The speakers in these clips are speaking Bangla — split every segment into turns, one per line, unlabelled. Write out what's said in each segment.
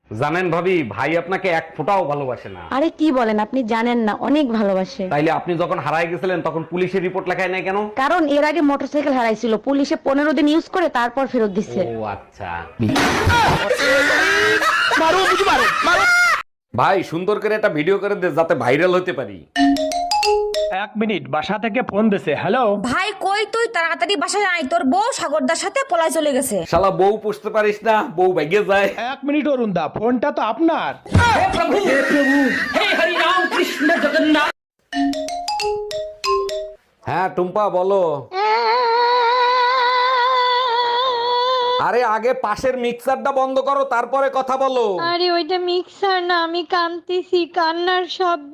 জানেন ভাবি, ভাই আপনাকে এক ফোঁটাও ভালোবাসে না।
আরে কি বলেন, আপনি জানেন না, অনেক ভালোবাসে।
তাইলে আপনি যখন হারায় গেছিলেন তখন পুলিশের রিপোর্ট লেখায় নাই কেন?
কারণ এর আগে মোটরসাইকেল হারাইছিল, পুলিশে 15 দিন ইউজ করে তারপর ফেরত দিচ্ছে।
ও আচ্ছা। ভাই সুন্দর করে একটা ভিডিও করে দে যাতে ভাইরাল হতে পারি।
1 মিনিট, বাসা থেকে ফোন দিছে। হ্যালো।
ভাই কই তুই তাড়াতাড়ি বাসায় আয়, তোর বউ সাগরদার সাথে পলায় চলে গেছে।
শালা বউ পুষতে পারিস না, বউ ভাগ্যে যায়।
1 মিনিট অরুণ দা, ফোনটা তো আপনার।
হ্যাঁ টুম্পা বলো। আরে আগে পাশের মিক্সারটা বন্ধ করো, তারপরে কথা বলো।
আরে ওইটা মিক্সার না, আমি কাঁদতেছি, কান্নার শব্দ।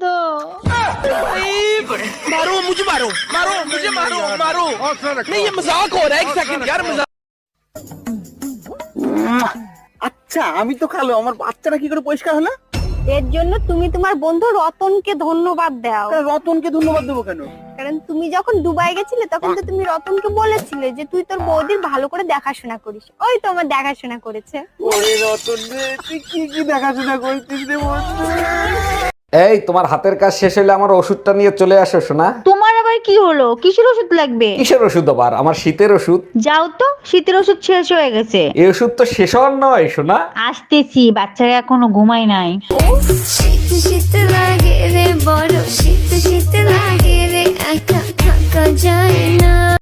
আচ্ছা আমি তো কালো, আমার বাচ্চাটা কি করে পরিষ্কার হলো?
এর জন্য তুমি তোমার বন্ধু রতনকে ধন্যবাদ দাও।
রতনকে ধন্যবাদ দেবো কেন?
কারণ তুমি যখন দুবাই গেছিলে তখন তো তুমি রতনকে বলেছিলে যে তুই তোর বৌদির ভালো করে দেখাশোনা করিস, ওই তো আমার দেখাশোনা করেছে।
ওরে রতন রে, তুই কি কি দেখাশোনা করছিস রে বন্ধু?
এই তোমার হাতের কাজ শেষ হলে আমার ওষুধটা নিয়ে চলে আসো শোনা।
তোমার আবার কি হলো? কিসের ওষুধ লাগবে?
কিসের ওষুধ আবার? আমার শীতের ওষুধ।
যাও তো, শীতের ওষুধ শেষ হয়ে গেছে।
এই ওষুধ তো শেষ হওয়ার নয় শোনা।
আসতেছি, বাচ্চারা এখনো ঘুমায় নাই।
শীত শীত লাগে রে, বড় শীত শীত লাগে রে, একা থাকা যায় না।